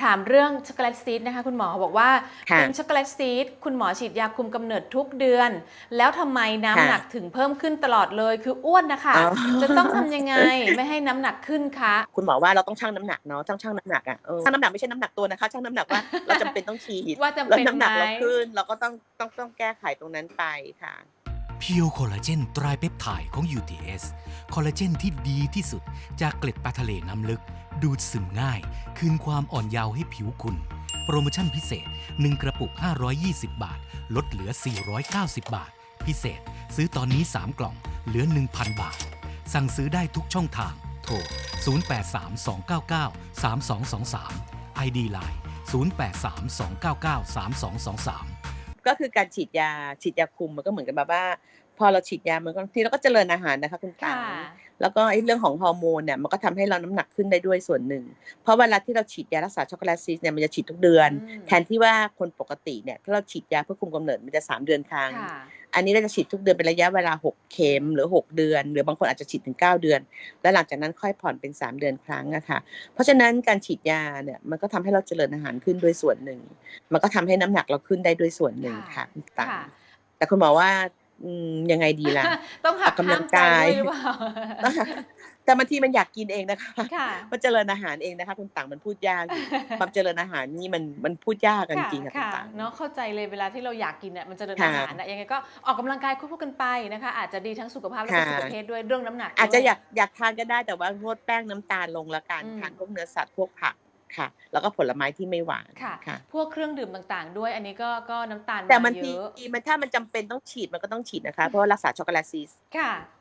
ามเรื่องช็อกโกแลตซีดนะคะคุณหมอบอกว่าค่ะเป็นช็อกโกแลตซีดคุณหมอฉีดยาคุมกำเนิดทุกเดือน แล้วทำไมน้ำค่ะหนักถึงเพิ่มขึ้นตลอดเลยคืออ้วนนะอ๋คะจะต้องอทำยังไงไม่ให้น้ำหนักขึ้นคะคุณหมอว่าเราต้องชั่งน้ำหนักเนาะต้องชั่งน้ำหนักอะชั่งน้ำหนักไม่ใช่น้ำหนักตัวนะคะชั่งน้ำหนักว่าเราจำเป็นต้องฉีดว่าจำแล้วเป็นไหมน้ำหนักเราขึ้นเราก็ต้องแก้ไขตรงนั้นไปค่ะเพียวคอลลาเจนไตรเปปไทด์ของ UTS คอลลาเจนที่ดีที่สุดจากเกล็ดปลาทะเลน้ำลึก ดูดซึมง่าย คืนความอ่อนเยาว์ให้ผิวคุณ โปรโมชั่นพิเศษ 1 กระปุก 520 บาท ลดเหลือ 490 บาท พิเศษ ซื้อตอนนี้ 3 กล่อง เหลือ 1,000 บาท สั่งซื้อได้ทุกช่องทาง โทร 0832993223 ID Line 0832993223 ก็คือการฉีดยาคุมมันก็เหมือนกับแบบว่าพอเราฉีดยามันก็บางทีเราก็เจริญอาหารนะคะคุณค่ะตังแล้วก็ไอ้เรื่องของฮอร์โมนเนี่ยมันก็ทำให้เราน้ำหนักขึ้นได้ด้วยส่วนหนึ่งเพราะเวลาที่เราฉีดยารักษาช็อกโกแลตซีสเนี่ยมันจะฉีดทุกเดือนแทนที่ว่าคนปกติเนี่ยถ้าเราฉีดยาเพื่อคุมกำเนิดมันจะ3 เดือนครั้งค่ะอันนี้เราจะฉีดทุกเดือนเป็นระยะเวลา6 เข็มหรือ6 เดือนหรือบางคนอาจจะฉีดถึง9 เดือนแล้วหลังจากนั้นค่อยผ่อนเป็น3 เดือนครั้งอะค่ะเพราะฉะนั้นการฉีดยาเนี่ยมันก็ทำให้เราเจริญอาหารขึ้นด้วยส่วนหนึ่งมันก็ทำให้น้ำหนักเราขึ้นได้ด้วยส่วนหนึ่งค่ะคุณตังค่ะแต่คุณหมอว่ายังไงดีล่ะต้องออกกำลังหักห้ามใจกายด้วยหรือเปล่าแต่บางทีมันอยากกินเองนะคะค่ะมันเจริญอาหารเองนะคะคุณตังมันพูดยากอยู่ความเจริญอาหารนี่มันพูดยากกันจค่ะริงๆค่ะคุณค่ะตังเนาะเข้าใจเลยเวลาที่เราอยากกินเนี่ยมันเจริญอาค่ะหารนะยังไงก็ออกกำลังกายควบคู่กันไปนะคะอาจจะดีทั้งสุขภาพและก็ค่ะสุขภเพศด้วยเรื่องน้ำหนักอาจด้วยจะอยากทานก็ได้แต่ว่างดแป้งน้ำตาลลงแล้วกันอืมทานพวกเนื้อสัตว์พวกผักค่ะแล้วก็ผลไม้ที่ไม่หวานค่ะค่ะพวกเครื่องดื่มต่างๆ ด้วยอันนี้ก็น้ำตาลแต่มาบางทีเยอะถ้ามันจำเป็นต้องฉีดมันก็ต้องฉีดนะคะเพราะว่ารักษาช็อกโกแลตซีสค่ะ